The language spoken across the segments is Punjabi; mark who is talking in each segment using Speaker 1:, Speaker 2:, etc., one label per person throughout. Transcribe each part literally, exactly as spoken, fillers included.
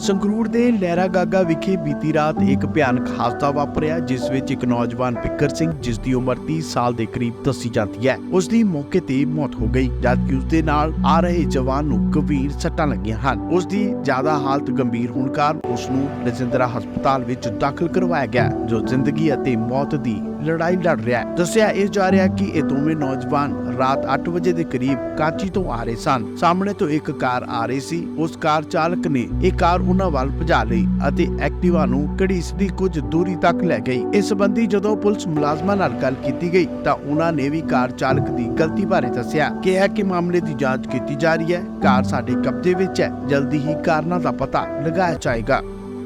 Speaker 1: ਸੰਗਰੂਰ ਦੇ ਲਹਿਰਾ ਗਾਗਾ ਵਿਖੇ ਬੀਤੀ ਰਾਤ ਇੱਕ ਭਿਆਨਕ ਹਾਦਸਾ ਵਾਪਰਿਆ, ਜਿਸ ਵਿੱਚ ਇੱਕ ਨੌਜਵਾਨ ਬਿੱਕਰ ਸਿੰਘ, ਜਿਸ ਦੀ ਉਮਰ तीस ਸਾਲ ਦੇ ਕਰੀਬ ਦੱਸੀ ਜਾਂਦੀ ਹੈ, ਉਸ ਦੀ ਮੌਕੇ ਤੇ ਮੌਤ ਹੋ ਗਈ, ਜਦਕਿ ਉਸ ਦੇ ਨਾਲ ਆ ਰਹੇ ਜਵਾਨ ਨੂੰ ਗੰਭੀਰ ਸੱਟਾਂ ਲੱਗੀਆਂ ਹਨ। ਉਸ ਦੀ ਜ਼ਿਆਦਾ ਹਾਲਤ ਗੰਭੀਰ ਹੋਣ ਕਾਰਨ ਉਸ ਨੂੰ ਰਜਿੰਦਰਾ ਹਸਪਤਾਲ ਵਿੱਚ ਦਾਖਲ ਕਰਵਾਇਆ ਗਿਆ, ਜੋ ਜ਼ਿੰਦਗੀ ਅਤੇ ਮੌਤ ਦੀ ਲੜਾਈ ਲੜ ਰਿਹਾ ਹੈ। ਦੱਸਿਆ ਇਹ ਜਾ ਰਿਹਾ ਕਿ ਇਹ ਦੋਵੇਂ ਨੌਜਵਾਨ ਰਾਤ ਅੱਠ ਵਜੇ ਦੇ ਕਰੀਬ ਕਾਂਚੀ ਤੋਂ ਆ ਰਹੇ ਸਨ। ਸਾਹਮਣੇ ਤੋਂ ਇੱਕ ਕਾਰ ਆ ਰਹੀ ਸੀ। ਉਸ ਕਾਰ ਚਾਲਕ ਨੇ ਇਹ ਕਾਰ ਉਹਨਾਂ ਵੱਲ ਭਜਾ ਲਈ ਅਤੇ ਐਕਟਿਵਾ ਨੂੰ ਘੜੀਸਦੀ ਕੁਝ ਦੂਰੀ ਤੱਕ ਲੈ ਗਈ। ਇਸ ਸੰਬੰਧੀ ਜਦੋਂ ਪੁਲਿਸ ਮੁਲਾਜ਼ਮਾਂ ਨਾਲ ਗੱਲ ਕੀਤੀ ਗਈ ਤਾਂ ਉਹਨਾਂ ਨੇ ਵੀ ਕਾਰ ਚਾਲਕ ਦੀ ਗਲਤੀ ਬਾਰੇ ਦੱਸਿਆ ਕਿ ਹੈ ਕਿ ਮਾਮਲੇ ਦੀ ਜਾਂਚ ਕੀਤੀ ਜਾ ਰਹੀ ਹੈ। ਕਾਰ ਸਾਡੇ ਕਬਜ਼ੇ ਵਿੱਚ ਹੈ, ਜਲਦੀ ਹੀ ਕਾਰਨਾਂ ਦਾ ਪਤਾ ਲਗਾਇਆ ਜਾਏਗਾ।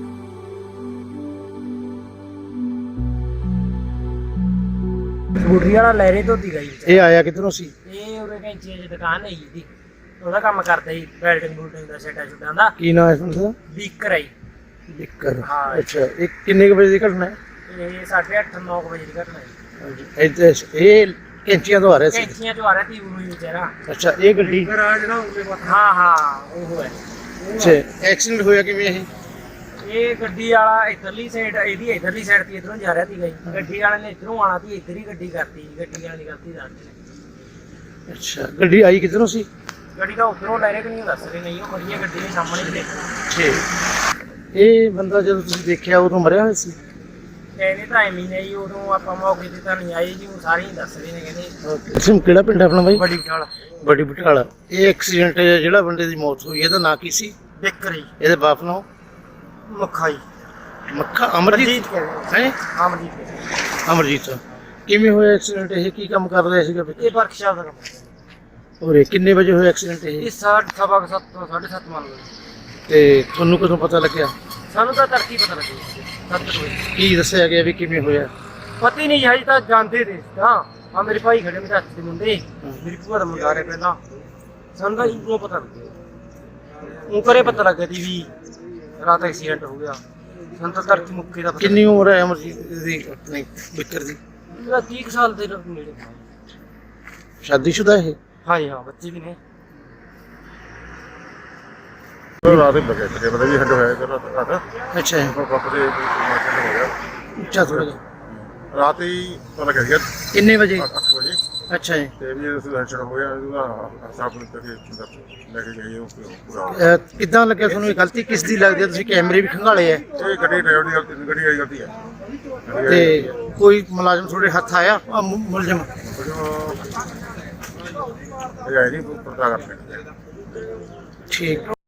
Speaker 2: ਸਕੂਟਰੀ ਵਾਲਾ ਲਹਿਰੇ ਧੋਤੀ ਗਈ।
Speaker 3: ਇਹ ਆਇਆ ਕਿਧਰੋਂ ਸੀ?
Speaker 2: ਇਹ ਉਹਦੇ ਕੈਂਚੀਆਂ ਦੀ ਦੁਕਾਨ ਹੈ ਜੀ, ਉਹਦਾ ਕੰਮ ਕਰਦਾ ਜੀ, ਵੈਲਡਿੰਗ ਬੂਲਡਿੰਗ ਦਾ ਸੈਟਾ ਛੁੱਟਾਂ ਦਾ।
Speaker 3: ਕੀ ਨਾਮ ਹੈ ਤੁਹਾਡਾ?
Speaker 2: ਬੀਕਰ ਹੈ।
Speaker 3: ਬਿੱਕਰ।
Speaker 2: ਹਾਂ।
Speaker 3: ਅੱਛਾ, ਇਹ ਕਿੰਨੇ ਕੁ ਵਜੇ ਦੀ ਘਟਨਾ ਹੈ?
Speaker 2: ਇਹ ਸਾਢੇ ਅੱਠ ਨੌ ਵਜੇ ਦੀ ਘਟਨਾ ਹੈ।
Speaker 3: ਹਾਂਜੀ, ਇੱਥੇ ਇਹ ਕੈਂਚੀਆਂ ਤੋਂ ਆ ਰਿਹਾ ਸੀ?
Speaker 2: ਕੈਂਚੀਆਂ ਤੋਂ ਆ ਰਿਹਾ ਸੀ ਉਹ ਵਿਚਾਰਾ।
Speaker 3: ਅੱਛਾ, ਇਹ ਗੱਡੀ?
Speaker 2: ਹਾਂ ਹਾਂ ਉਹ ਹੈ।
Speaker 3: ਅੱਛਾ, ਐਕਸੀਡੈਂਟ ਹੋਇਆ ਕਿਵੇਂ ਇਹ?
Speaker 2: ਇਹ ਗੱਡੀ ਵਾਲਾ ਇਧਰਲੀ ਸਾਈਡ, ਇਹਦੀ ਇਧਰਲੀ ਸਾਈਡ ਤੇ ਇਧਰੋਂ ਜਾ ਰਿਹਾ ਸੀ ਗਈ, ਗੱਡੀ ਵਾਲੇ ਨੇ ਇਧਰੋਂ ਆਣਾ ਸੀ, ਇੱਧਰ ਹੀ ਗੱਡੀ ਕਰਤੀ। ਗੱਡੀ ਵਾਲੇ ਦੀ ਗਲਤੀ ਦੱਸਦੀ।
Speaker 3: ਅੱਛਾ, ਗੱਡੀ ਆਈ ਕਿਧਰੋਂ ਸੀ?
Speaker 2: ਗੱਡੀ ਤਾਂ ਉਧਰੋਂ ਲੈ ਰਹੇ ਕਿ ਨਹੀਂ ਦੱਸ ਰਹੇ, ਨਹੀਂ ਉਹ ਖੜੀ ਹੈ ਗੱਡੀ ਦੇ ਸਾਹਮਣੇ ਹੀ ਦੇਖ।
Speaker 3: ਠੀਕ। ਇਹ ਬੰਦਾ ਜਦੋਂ ਤੁਸੀਂ ਦੇਖਿਆ ਉਦੋਂ ਮਰਿਆ ਹੋਇਆ ਸੀ?
Speaker 2: ਕਹਿੰਦੇ ਤਾਂ ਐਵੇਂ ਹੀ ਜੀ, ਉਦੋਂ ਆਪਾਂ ਮੌਕੇ ਤੇ ਤਾਂ ਨਹੀਂ ਆਏ ਜੀ, ਉਹ ਸਾਰੇ ਹੀ ਦੱਸ ਰਹੇ ਨੇ। ਕਹਿੰਦੇ
Speaker 3: ਤੁਸੀਂ ਕਿਹੜਾ ਪਿੰਡ ਆਪਣਾ ਬਾਈ?
Speaker 2: ਬੜੀ ਬਟਾਲਾ।
Speaker 3: ਬੜੀ ਬਟਾਲਾ। ਇਹ ਐਕਸੀਡੈਂਟ ਜਿਹੜਾ ਬੰਦੇ ਦੀ ਮੌਤ ਹੋਈ ਇਹਦਾ ਨਾਂ ਕੀ ਸੀ?
Speaker 2: ਬਿੱਕਰ ਜੀ।
Speaker 3: ਇਹਦੇ ਬਾਪ ਨਾਮ?
Speaker 2: ਮੱਖਾ ਜੀ।
Speaker 3: ਮੱਖਾ ਅਮਰਜੀਤ ਹੈ?
Speaker 2: ਅਮਰਜੀਤ।
Speaker 3: ਅਮਰਜੀਤ। ਕਿਵੇਂ ਹੋਇਆ ਐਕਸੀਡੈਂਟ? ਇਹ ਕੀ ਕੰਮ ਕਰ ਰਿਹਾ ਸੀਗਾ?
Speaker 2: ਇਹ ਵਰਕਸ਼ਾਪ ਦਾ ਕੰਮ।
Speaker 3: ਔਰ ਕਿੰਨੇ ਵਜੇ ਹੋਇਆ ਐਕਸੀਡੈਂਟ ਇਹ?
Speaker 2: ਇਹ ਸਾਢੇ ਸਵਾ ਸੱਤ ਤੋਂ ਸਾਢੇ ਸੱਤ ਮੰਨ ਲਓ।
Speaker 3: ਤੇ ਤੁਹਾਨੂੰ ਕਦੋਂ ਪਤਾ ਲੱਗਿਆ?
Speaker 2: ਸਾਨੂੰ ਤਾਂ ਤਰਕੀ ਪਤਾ ਲੱਗੀ ਸੱਤ ਵਜੇ।
Speaker 3: ਕੀ ਦੱਸਿਆ ਗਿਆ ਵੀ ਕਿਵੇਂ ਹੋਇਆ?
Speaker 2: ਪਤਾ ਹੀ ਨਹੀਂ ਹਜੇ ਤਾਂ ਜਾਂਦੇ ਦੇ ਤਾਂ ਆ ਮੇਰੇ ਭਾਈ ਖੜੇ, ਮੇਰੇ ਹੱਥ ਦੇ ਮੁੰਡੇ, ਮੇਰੀ ਭੂਆ ਦਾ ਮੁੰਡਾ ਰਿਹਾ ਪਹਿਲਾਂ। ਸਾਨੂੰ ਤਾਂ ਇਹਨੂੰ ਪਤਾ ਲੱਗਿਆ, ਉਹ ਕਰੇ ਪਤਾ ਲੱਗਿਆ ਸੀ ਵੀ ਰਾਤ ਐਕਸੀਡੈਂਟ ਹੋ ਗਿਆ। ਸਾਨੂੰ ਤਾਂ ਤਰਕੀ ਮੁੱਕੇ ਦਾ ਪਤਾ।
Speaker 3: ਕਿੰਨੀ ਉਮਰ ਹੈ ਅਮਰਜੀਤ ਦੀ, ਆਪਣੀ ਬਿੱਕਰ ਦੀ?
Speaker 2: ਇਹਦਾ ਤੀਹ ਕੁ ਸਾਲ ਦੇ ਨੇੜੇ।
Speaker 3: ਸ਼ਾਦੀशुदा ਹੈ?
Speaker 2: ਹਾਂ ਜੀ ਹਾਂ, ਬੱਚੇ ਵੀ ਨੇ।
Speaker 4: ਰਾਤ ਹੀ ਲੱਗੇ ਤੇ ਪਤਾ ਵੀ ਹੱਡ ਹੋਇਆ ਕਿ ਰਾਤ ਰਾਤ
Speaker 3: ਅੱਛਾ
Speaker 4: ਪਾਪਾ ਦੇ ਮਾਰਕੀਟ ਹੋ ਗਿਆ।
Speaker 3: ਉੱਚਾ ਥੋੜਾ ਜਿਹਾ।
Speaker 4: ਰਾਤ ਹੀ ਪਤਾ ਲੱਗ ਗਿਆ
Speaker 3: ਕਿੰਨੇ ਵਜੇ?
Speaker 4: ਅੱਠ ਵਜੇ।
Speaker 3: ਅੱਛਾ ਜੀ।
Speaker 4: ਤੇ ਵੀ ਉਸ ਦਾ ਐਕਸੀਡੈਂਟ ਹੋਇਆ, ਉਹਦਾ ਸਾਫ ਨਿਕਲ ਕੇ ਲੈ ਕੇ ਗਏ ਉਹ ਪੂਰਾ।
Speaker 3: ਅਹ ਕਿੱਦਾਂ ਲੱਗਿਆ ਤੁਹਾਨੂੰ? ਇਹ ਗਲਤੀ ਕਿਸ ਦੀ ਲੱਗਦੀ ਹੈ? ਤੁਸੀਂ ਕੈਮਰੇ ਵੀ ਖੰਗਾਲੇ ਹੈ
Speaker 4: ਇਹ ਗੱਡੀ ਡਰਾਈਵਰ ਦੀ ਗਲਤੀ, ਗੱਡੀ ਵਾਲੀ ਗਲਤੀ ਹੈ।
Speaker 3: ਤੇ ਕੋਈ ਮੁਲਾਜ਼ਮ ਤੁਹਾਡੇ ਹੱਥ ਆਇਆ? ਆਹ ਮੁ- ਮੁਲਜ਼ਮ
Speaker 4: ਇਹ ਆਈ ਨਹੀਂ ਪਤਾ ਕਰ ਸਕਦੇ।
Speaker 3: ਠੀਕ।